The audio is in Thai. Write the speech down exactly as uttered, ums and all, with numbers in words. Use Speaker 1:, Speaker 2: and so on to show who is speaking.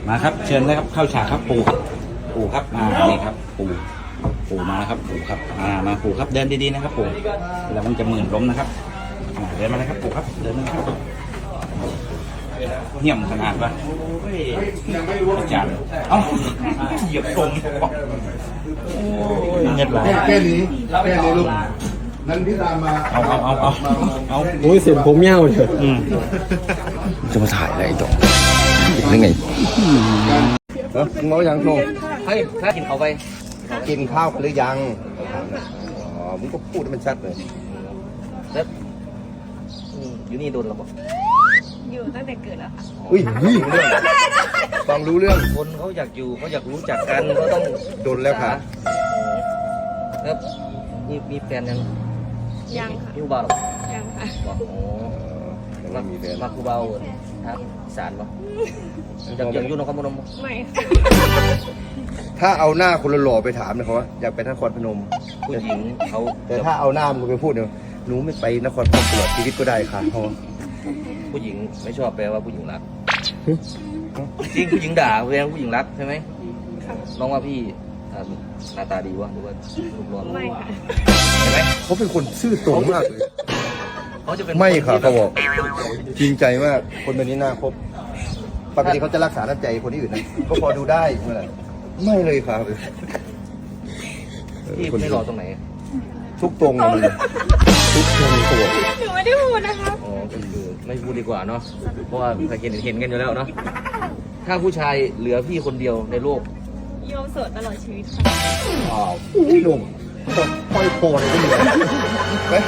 Speaker 1: มาครับเชิญเลยครับเข้าฉากครับปู่ปู่ครับมานี่ครับปู่ปู่มาแล้วครับปู่ครับมามาปู่ครับเดินดีๆนะครับปู่แล้วมันจะหมื่นล้มนะครับเดินมาเลยครับปู่ครับเดินมาครับเหี้ยมขนาดวะอาจารย์เอ้าเหยียบตรงเงียบไหล
Speaker 2: แค่นี้แค่นี้ลูกนั้นพี่ตามมา
Speaker 1: เอาเอาเอาเอาเอา
Speaker 3: โอ้ยเสียงผมเงี้ยวเลย
Speaker 1: อืม
Speaker 4: จะมาถ่ายอะไรต่อยังไง
Speaker 2: เออมึงเอาอย่างโชว์
Speaker 4: เฮ้ยถ้ากินเขาไปกินข้าวกันหรือยังอ๋อมึงก็พูดให้มันชัดเลยแล้วอยู่นี่โดนเราบอก
Speaker 5: อยู่ตั้งแต่เกิดแล้วค่ะ
Speaker 4: อุ้ยรู้เรื่องฟังรู้เรื่องคนเขาอยากอยู่เขาอยากรู้จักกันเขาต้องโดนแล้วค่ะแล้วมีมีแฟนยัง
Speaker 5: ยังค่ะ
Speaker 4: มีอุบาหรอ
Speaker 5: ยังค่ะ
Speaker 4: บอกโอ้มามีแฟนมาคูเบาครับสารปะอยากอยากอยู่นครพนม
Speaker 5: ไม่ค่ะ
Speaker 4: ถ้าเอาหน้าคนหล่อไปถามนะครับว่าอยากไปนครพนมผู้หญิงเขาแต่ถ้าเอาหน้ามึงไปพูดเนี่ยหนูไม่ไปนครพนมตลอดชีวิตก็ได้ค่ะเพราะผู้หญิงไม่ชอบแปลว่าผู้หญิงรักจริงผู้หญิงด่าแปลว่าผู้หญิงรักใช่ไหมน้องว่าพี่หน้าตาดีวะหรือว่ารูปร่าง
Speaker 5: ไม่ค่ะ
Speaker 4: เห็นไหมเขาเป็นคนซื่อตรงมากเลยเขาจะเป็นไม่ค่ะเขาบอกจริงใจมากคนแบบนี้น่าคบปกติเขาจะรักษาน้ำใจคนที่อื่นนะก็พอดูได้เมื่อไหร่ไม่เลยครับพี่ไม่รอตรงไหนทุกตรงเลยทุกตรงตัว
Speaker 5: หนูไม่ได้พูดนะคะ
Speaker 4: อ๋อก็คือไม่พูดดีกว่าเนาะเพราะว่าใครเห็นเห็นกันอยู่แล้วเนาะถ้าผู้ชายเหลือพี่คนเดียวในโลก
Speaker 5: โยมโสดตลอดชีวิตค่ะ
Speaker 4: ว้าวพี่หนุ่มค่อยโคเลยก็มี